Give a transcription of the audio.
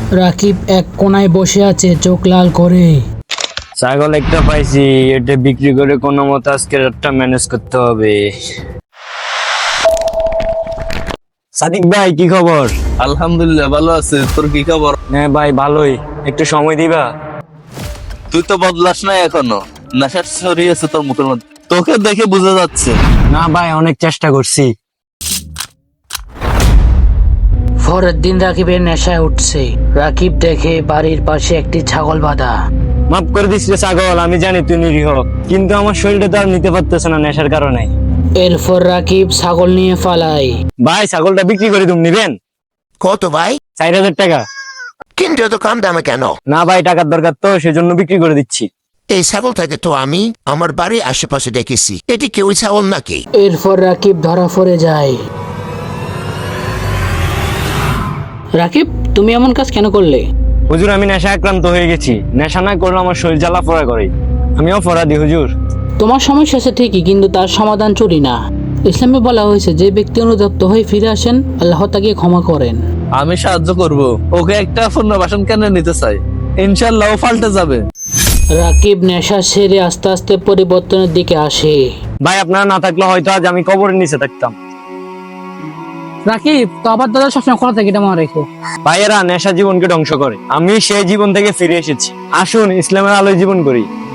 রাকিব এক কোনায় বসে আছে চোখ লাল করে। ছাগল একটা পাইছি, এটা বিক্রি করে কোনো মতে আজকে রাতটা ম্যানেজ করতে হবে। সাদিক ভাই কি খবর? আলহামদুলিল্লাহ ভালো আছে। তোর কি খবর? হ্যাঁ ভাই ভালোই, একটু সময় দিবা? তুই তো বদলাস না এখনো, নেশার ছড়িয়েছে তোর মুখের মধ্যে, তোকে দেখে বোঝা যাচ্ছে। না ভাই, অনেক চেষ্টা করছি। পরের দিন রাকিবের নেশায় উঠছে। রাকিব দেখে বাড়ির পাশে একটি ছাগল বাঁধা। মাফ করে দিস রে ছাগল, আমি জানি তুই নিরীহ, কিন্তু আমার শরীরটা তো আর নিতে পারতেছে না নেশার কারণে। এরপর রাকিব ছাগল নিয়ে পালায়। ভাই ছাগলটা বিক্রি করে তুমি নিবেন? কত ভাই? 4000 টাকা। কিন্তু এত কম দামে কেন? না ভাই, টাকার দরকার তো, সেজন্য বিক্রি করে দিচ্ছি। এই ছাগলটাকে তো আমি আমার বাড়ির আশেপাশে দেখেছি, এটি কি ওই ছাগল নাকি? এরপর রাকিব ধরা পড়ে যায়। রাকিব, তুমি এমন কাজ কেন করলে? হুজুর, আমি নেশা আক্রান্ত হয়ে গেছি। নেশা না করলে আমার শরীর জ্বালা পোড়া করে। আমি অপরাধী হুজুর। তোমার সমস্যা আছে ঠিকই, কিন্তু তার সমাধান চুরি না। ইসলামে বলা হয়েছে, যে ব্যক্তি অনুতপ্ত হয়ে ফিরে আসেন, আল্লাহ তাকে ক্ষমা করেন। আমি সাহায্য করব, ওকে একটা পুনর্বাসন কেন্দ্রে নিতে চাই, ইনশাল্লাহ ও পাল্টে যাবে। রাকিব নেশা সেরে আস্তে আস্তে পরিবর্তনের দিকে আসে। ভাই আপনারা না থাকলে হয়তো আজ আমি কবরের নিচে থাকতাম। রাকিব, তো আবার দাদা সবসময় খোলা থাকে, এটা মনে রেখো। ভাইয়েরা নেশা জীবনকে ধ্বংস করে, আমি সেই জীবন থেকে ফিরে এসেছি। আসুন ইসলামের আলোয় জীবন করি।